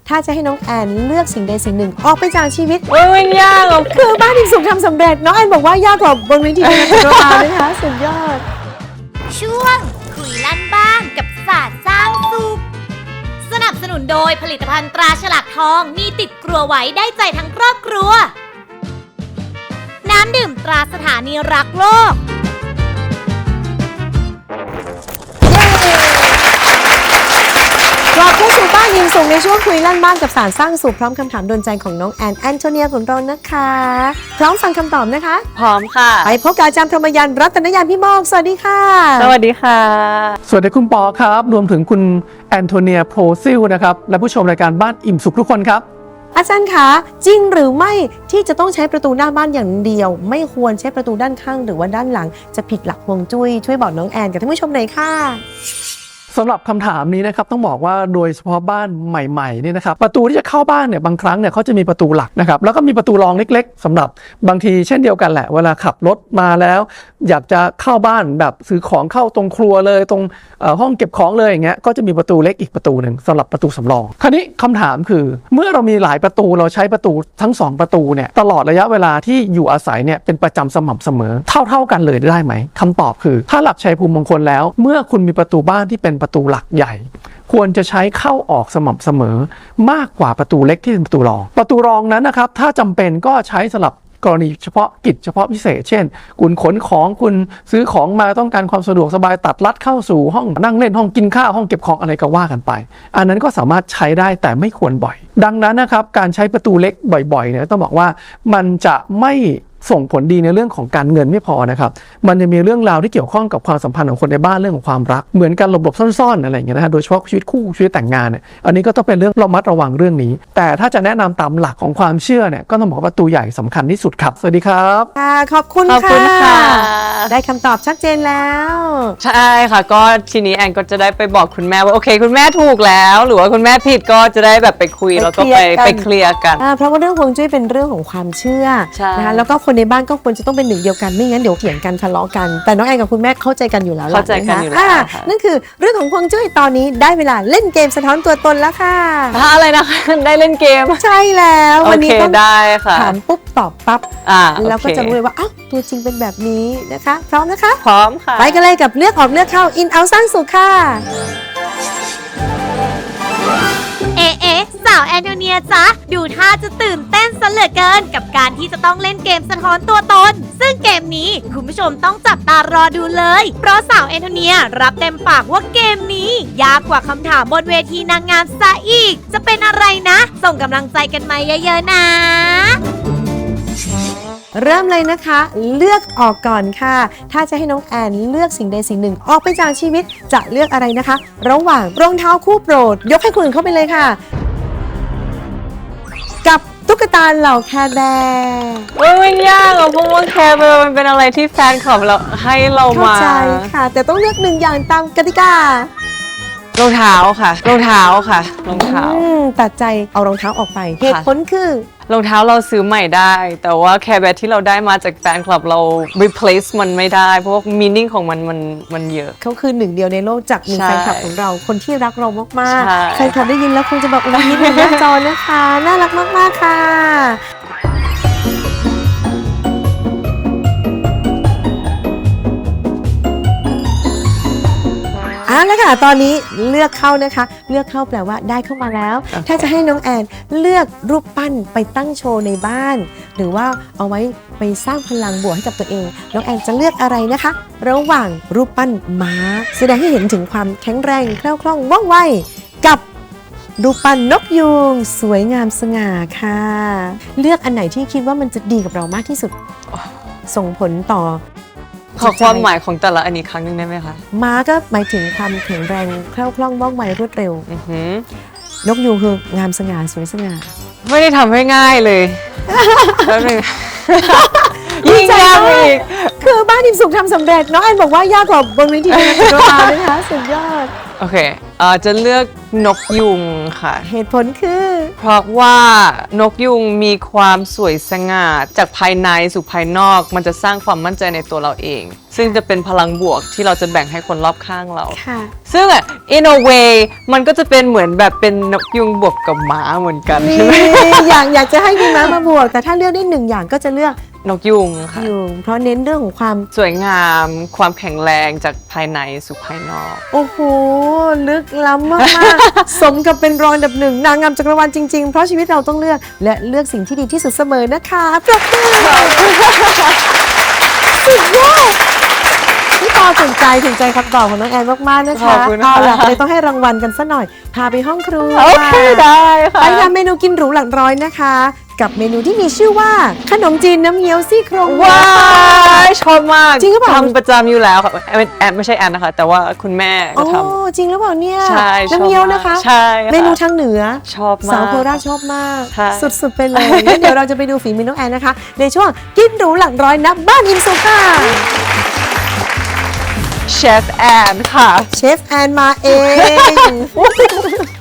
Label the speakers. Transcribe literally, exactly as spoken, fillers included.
Speaker 1: ถ้าจะให้น้องแอนเลือกสิ่งใดสิ่งหนึ่งออกไปจากชีวิต
Speaker 2: โอ้ยมันยากอ่ะ
Speaker 1: คือบ้านอิ่มสุขทำสำเร็จน้องแอนบอกว่ายากกว่าบนเวทีการแสดงนะคะสุดยอด
Speaker 3: ช่วงคุยลั่นบ้านกับศาสตร์สร้างสุขสนับสนุนโดยผลิตภัณฑ์ตราฉลากทองมีติดครัวไว้ได้ใจทั้งครอบครัวน้ำดื่มตราสถานีรักโลก
Speaker 1: กลับเข้าสู่บ้านอิ่มสุขในช่วงคุยลั่นบ้านกับศาสตร์สร้างสุขพร้อมคำถามโดนใจของน้องแอนแอนโทเนียของเรานะคะพร้อมฟังคำตอบนะคะ
Speaker 2: พร้อมค่ะ
Speaker 1: ไปพบกับอาจารย์พรหมยานรัตนยานพี่มอกสวัสดีค่ะ
Speaker 2: สวัสดีค่ะ
Speaker 4: สวัสดีคุณปอครับรวมถึงคุณแอนโทเนียโพรซิลนะครับและผู้ชมรายการบ้านอิ่มสุขทุกคนครับ
Speaker 1: อาจารย์คะจริงหรือไม่ที่จะต้องใช้ประตูหน้าบ้านอย่างเดียวไม่ควรใช้ประตูด้านข้างหรือว่าด้านหลังจะผิดหลักฮวงจุ้ยช่วยบอกน้องแอนกับท่านผู้ชมหน่อยค่ะ
Speaker 4: สำหรับคำถามนี้นะครับต้องบอกว่าโดยเฉพาะบ้านใหม่ๆนี่นะครับประตูที่จะเข้าบ้านเนี่ยบางครั้งเนี่ยเขาจะมีประตูหลักนะครับแล้วก็มีประตูรองเล็กๆสำหรับบางทีเช่นเดียวกันแหละเวลาขับรถมาแล้วอยากจะเข้าบ้านแบบซื้อของเข้าตรงครัวเลยตรงห้องเก็บของเลยอย่างเงี้ยก็จะมีประตูเล็กอีกประตูหนึ่งสำหรับประตูสำรองคราวนี้คำถามคือเมื่อเรามีหลายประตูเราใช้ประตูทั้งสองประตูเนี่ยตลอดระยะเวลาที่อยู่อาศัยเนี่ยเป็นประจำสม่ำเสมอเท่าๆกันเลยได้ไหมคำตอบคือถ้าหลักชัยภูมิมงคลแล้วเมื่อคุณมีประตูบ้านที่เป็นประตูหลักใหญ่ควรจะใช้เข้าออกสม่ำเสมอมากกว่าประตูเล็กที่เป็นประตูรองประตูรองนั้นนะครับถ้าจำเป็นก็ใช้สำหรับกรณีเฉพาะกิจเฉพาะพิเศษเช่นคุณขนของคุณซื้อของมาต้องการความสะดวกสบายตัดลัดเข้าสู่ห้องนั่งเล่นห้องกินข้าวห้องเก็บของอะไรก็ว่ากันไปอันนั้นก็สามารถใช้ได้แต่ไม่ควรบ่อยดังนั้นนะครับการใช้ประตูเล็กบ่อยๆเนี่ยต้องบอกว่ามันจะไม่ส่งผลดีในเรื่องของการเงินไม่พอนะครับมันจะมีเรื่องราวที่เกี่ยวข้องกับความสัมพันธ์ของคนในบ้านเรื่องของความรักเหมือนกันหลบๆซ่อนๆอะไรอย่างเงี้ยนะฮะโดยเฉพาะชีวิตคู่ชีวิตแต่งงานเนี่ยอันนี้ก็ต้องเป็นเรื่องระมัดระวังเรื่องนี้แต่ถ้าจะแนะนำตามหลักของความเชื่อเนี่ยก็ต้องบอกว่าประตูใหญ่สำคัญที่สุดครับสวัสดีครับ
Speaker 1: ค่ะขอบคุณ
Speaker 2: ขอบคุณค่ะ
Speaker 1: ได้คำตอบชัดเจนแล้ว
Speaker 2: ใช่ค่ะก็ทีนี้แอนก็จะได้ไปบอกคุณแม่ว่าโอเคคุณแม่ถูกแล้วหรือว่าคุณแม่ผิดก็จะได้แบบไปคุยแล้วก็ไปไปเคลียร์กัน
Speaker 1: เพราะว่าเรื่องฮวงจุ้ยเป็นเรื่องของความเชื่อนะคะแล้วก็คนในบ้านก็ควรจะต้องเป็นหนึ่งเดียวกันไม่งั้นเดี๋ยวเถียงกันทะเลาะกันแต่น้องแอนกับคุณแม่เข้าใจกันอยู่แล้ว
Speaker 2: เข้าใจกันอยู่แล้ว
Speaker 1: นั่นคือเรื่องของฮวงจุ้ยตอนนี้ได้เวลาเล่นเกมสะท้อนตัวตนแล้วค่ะ
Speaker 2: อะไรนะคะได้เล่นเกม
Speaker 1: ใช่แล้ววันนี้ต้อง
Speaker 2: ได้ค่ะ
Speaker 1: ถามปุ๊บตอบปั๊บแล้วก็จะรู้เลยว่าอ้าวตัวจริงเป็นแบบนี้นะคะพร้อมนะคะ
Speaker 2: พร้อมค่ะ
Speaker 1: ไปกันเลยกับเลือกออกเลือกเข้าอินเอาสร้างสุขค่ะ
Speaker 3: เอ๊ะเอ๊ะสาวแอนโทเนียจ๊ะดูท่าจะตื่นเต้นซะเหลือเกินกับการที่จะต้องเล่นเกมสะท้อนตัวตนซึ่งเกมนี้คุณผู้ชมต้องจับตารอดูเลยเพราะสาวแอนโทเนียรับเต็มปากว่าเกมนี้ยากกว่าคำถามบนเวทีนางงามซะอีกจะเป็นอะไรนะส่งกำลังใจกันมาเยอะๆนะ
Speaker 1: เริ่มเลยนะคะเลือกออกก่อนค่ะถ้าจะให้น้องแอนเลือกสิ่งใดสิ่งหนึ่งออกไปจากชีวิตจะเลือกอะไรนะคะระหว่างรองเท้าคู่โปรดยกให้คุณอื่นเข้าไปเลยค่ะกับตุ๊กตาเหล่าแคร์แบร์
Speaker 2: โอ้ยมันยากอ่ะเพราะว่าแคร์แบร์มันเป็นอะไรที่แฟนคลับเราให้เรามา
Speaker 1: เข้าใจค่ะแต่ต้องเลือกหนึ่งอย่างตามกติการ
Speaker 2: องเท้าค่ะรองเท้าค่ะรองเท้า
Speaker 1: ตัดใจเอารองเท้าออกไปเหตุผลคือ
Speaker 2: รองเท้าเราซื้อใหม่ได้แต่ว่าแคร์แบร์ที่เราได้มาจากแฟนคลับเรา replace มันไม่ได้เพราะว่า meaning ของมันมันมันเยอะ
Speaker 1: เขาคือหนึ่งเดียวในโลกจากหนึ่งแฟนคลับของเราคนที่รักเรามากๆแฟนคลับได้ยินแล้วคงจะแบบอุ้ยยิ้มบนหน้าจอนะคะน่ารักมากๆค่ะเอาละค่ะตอนนี้เลือกเข้านะคะเลือกเข้าแปลว่าได้เข้ามาแล้ว okay. ถ้าจะให้น้องแอนเลือกรูปปั้นไปตั้งโชว์ในบ้านหรือว่าเอาไว้ไปสร้างพลังบวกให้กับตัวเองน้องแอนจะเลือกอะไรนะคะระหว่างรูปปั้นม้าแสดงให้เห็นถึงความแข็งแรงแคล่วคล่องว่องไวกับรูปปั้นนกยูงสวยงามสง่าค่ะเลือกอันไหนที่คิดว่ามันจะดีกับเรามากที่สุด oh. ส่งผลต่อ
Speaker 2: ขอความหมายของแต่ละอันนี้ครั้งนึงได้ไหมคะ
Speaker 1: ม้าก็หมายถึงความแข็งแรงแคล่วคล่องว่องไวรวดเร็วนกยูงคืองามสง่าสวยสง่า
Speaker 2: ไม่ได้ทำให้ง่ายเลยแล้วนึงยิ่งยากไปอีก
Speaker 1: คือบ้านอิ่มสุขทำสำเร็จน้องแอนบอกว่ายากกว่าบนเวทีนางงามจักรวาลนะคะสุดยอด
Speaker 2: โอเคเอ่อจะเลือกนกยุงค่ะ
Speaker 1: เหตุผลคือ
Speaker 2: เพราะว่านกยุงมีความสวยสง่าจากภายในสู่ภายนอก มันจะสร้างความมั่นใจในตัวเราเอง ซึ่งจะเป็นพลังบวกที่เราจะแบ่งให้คนรอบข้างเรา
Speaker 1: ค่ะ
Speaker 2: ซึ่งอ่ะ in a way มันก็จะเป็นเหมือนแบบเป็นนกยุงบวกกับหมาเหมือนกัน
Speaker 1: นี่
Speaker 2: ใช่ไหม
Speaker 1: อยากอยากจะให้มีม้ามาบวก แต่ถ้าเลือกได้หนึ่งอย่างก็จะเลือก
Speaker 2: นกยุงค่ะ
Speaker 1: ยุงเพราะเน้นเรื่องของความ
Speaker 2: สวยงามความแข็งแรงจากภายในสู่ภายนอก
Speaker 1: โอ้โห ลึกล้ำมากๆ สมกับเป็นรองอันดับหนึ่งนางงามจักรวาลจริงๆ เพราะชีวิตเราต้องเลือกและเลือกสิ่งที่ดีที่สุดเสมอนะคะปรบมือสุดยอดพี่ปอถึงใจถึงใจคำตอบของน้องแอนมากๆนะคะ
Speaker 2: ขอบคุณค่ะ
Speaker 1: เอาล่ะเลยต้องให้รางวัลกันสักหน่อย พาไปห้องครัว
Speaker 2: โอเคได้ค่ะ
Speaker 1: ไปทำเมนูกินหรูหลักร้อยนะคะ กับเมนูที่มีชื่อว่าขนมจีนน้ำเงี้ยวซี่โครงหมู
Speaker 2: ว้ายชอบมาก
Speaker 1: จริงหรือเปล่า
Speaker 2: ทำประจำอยู่แล้วค่ะแอนแอนไม่ใช่แอนนะคะ แต่ว่าคุณแม่
Speaker 1: โอ้
Speaker 2: ก็ท
Speaker 1: จริงหรือเปล่าเนี่ย
Speaker 2: ใช่ชอบ
Speaker 1: น้ำเงี้ยวนะคะ
Speaker 2: ใช่ค่ะ
Speaker 1: เมนูทางเหนือ
Speaker 2: ำชอบมาก
Speaker 1: สาวโคราชชอบมาก
Speaker 2: ใช่
Speaker 1: สุดๆไปเลยงั้นเดี๋ยวเราจะไปดูฝีมือน้องแอนนะคะ ในช่วงกินหรูหลักร้อยนับบ้านอิมสุขค่ะ
Speaker 2: เชฟแอนค่ะ
Speaker 1: เชฟแอนมาเอง